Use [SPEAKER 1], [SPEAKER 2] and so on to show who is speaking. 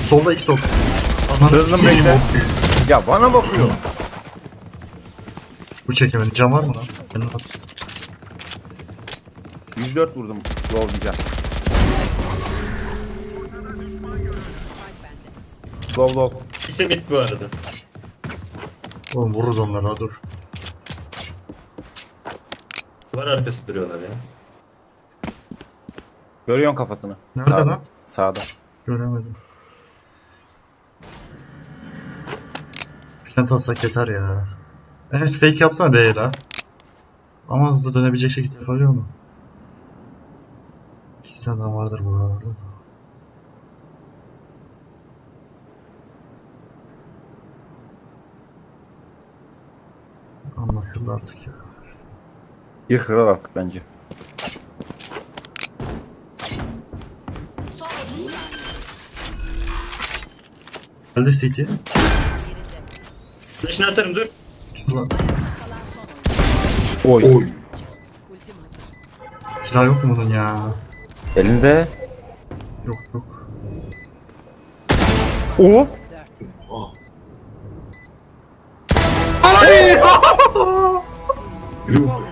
[SPEAKER 1] Solda iki top. Ananı
[SPEAKER 2] Hızlı
[SPEAKER 1] sikeyim,
[SPEAKER 2] bekle.
[SPEAKER 1] bok büyük.
[SPEAKER 2] Ya bana bakıyor.
[SPEAKER 1] Bu çekemedi. Cam var mı lan? Benim at.
[SPEAKER 2] 104 vurdum. Gol diyeceğim. Gol.
[SPEAKER 3] İkisi bit bu arada.
[SPEAKER 1] Oğlum vururuz onları, ha dur.
[SPEAKER 3] Duvar arkası duruyorlar ya.
[SPEAKER 2] Görüyorsun kafasını.
[SPEAKER 1] Nerede
[SPEAKER 2] Sağda.
[SPEAKER 1] lan?
[SPEAKER 2] Sağda.
[SPEAKER 1] Göremedim. Plant alsak yeter ya. Enes fake yapsana B'ye la. Ama hızlı dönebilecek şekilde yapabiliyor mu? İki tane daha vardır buralarda. Anlatıldı artık ya.
[SPEAKER 2] Bir kral artık bence.
[SPEAKER 1] Geldi City.
[SPEAKER 3] Flash'ını atarım dur.
[SPEAKER 1] Ulan,
[SPEAKER 2] Oy.
[SPEAKER 1] silah yok mu bunun ya?
[SPEAKER 2] Elinde.
[SPEAKER 1] Yok.
[SPEAKER 2] Of.
[SPEAKER 4] Yuh.